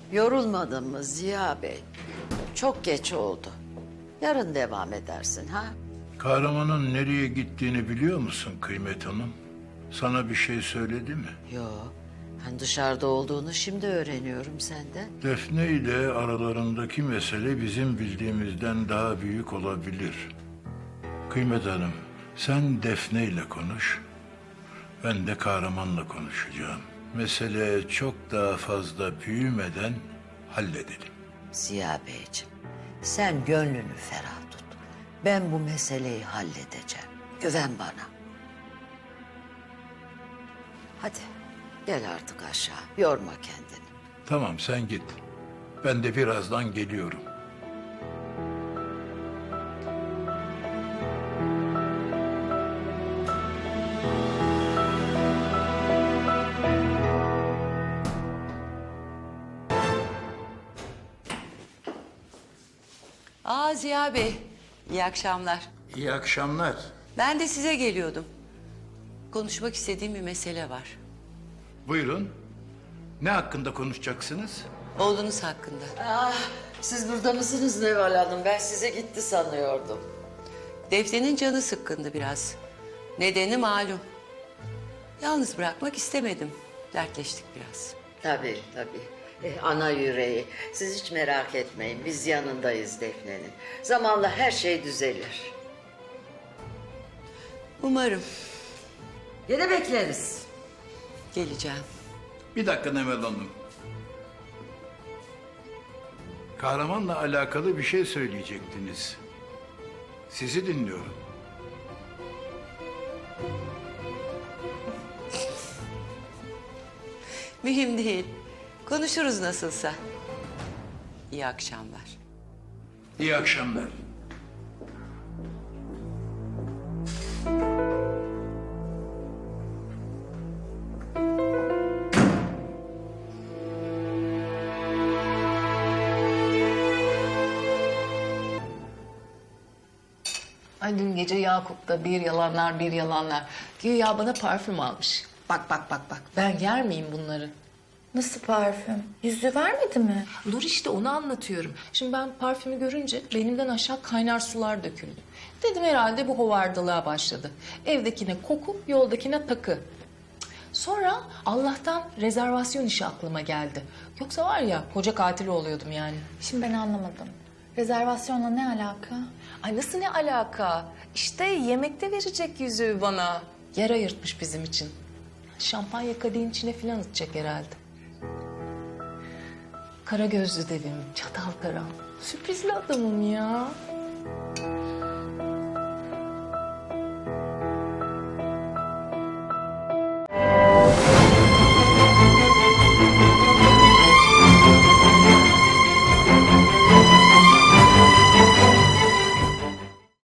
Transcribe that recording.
Yorulmadın mı Ziya Bey? Çok geç oldu. Yarın devam edersin ha? Kahramanın nereye gittiğini biliyor musun Kıymet Hanım? Sana bir şey söyledi mi? Yo, ben dışarıda olduğunu şimdi öğreniyorum senden. Defne ile aralarındaki mesele bizim bildiğimizden daha büyük olabilir. Kıymet Hanım, sen Defne ile konuş. Ben de Kahraman'la konuşacağım. Mesele çok daha fazla büyümeden halledelim. Ziya Beyciğim, sen gönlünü ferah tut. Ben bu meseleyi halledeceğim. Güven bana. Hadi gel artık aşağı. Yorma kendini. Tamam sen git. Ben de birazdan geliyorum. Ziya Bey, iyi akşamlar. İyi akşamlar. Ben de size geliyordum. Konuşmak istediğim bir mesele var. Buyurun. Ne hakkında konuşacaksınız? Oğlunuz hakkında. Siz burada mısınız Neval Hanım? Ben size gitti sanıyordum. Defne'nin canı sıkkındı biraz. Nedeni malum. Yalnız bırakmak istemedim. Dertleştik biraz. Tabii tabii. Ana yüreği. Siz hiç merak etmeyin. Biz yanındayız Defne'nin. Zamanla her şey düzelir. Umarım Yine bekleriz. geleceğim. Bir dakika Nemel Hanım. Kahramanla alakalı bir şey söyleyecektiniz. Sizi dinliyorum. Mühim değil. Konuşuruz nasılsa. İyi akşamlar. İyi akşamlar. Ay dün gece Yakup'ta bir yalanlar bir yalanlar. Güya bana parfüm almış. Bak bak bak bak ben yer miyim bunları? Nasıl parfüm? Yüzü vermedi mi? Dur işte onu anlatıyorum. Şimdi ben parfümü görünce benimden aşağı kaynar sular döküldü. Dedim herhalde bu hovardalığa başladı. Evdekine koku, yoldakine takı. Sonra Allah'tan rezervasyon işi aklıma geldi. Yoksa var ya koca katil oluyordum yani. Şimdi ben anlamadım. Rezervasyonla ne alaka? Ay nasıl ne alaka? İşte yemekte verecek yüzüğü bana. Yer ayırtmış bizim için. Şampanya kadehin içine filan atacak herhalde. Kara gözlü devim, çatal karam. Sürprizli adamım ya.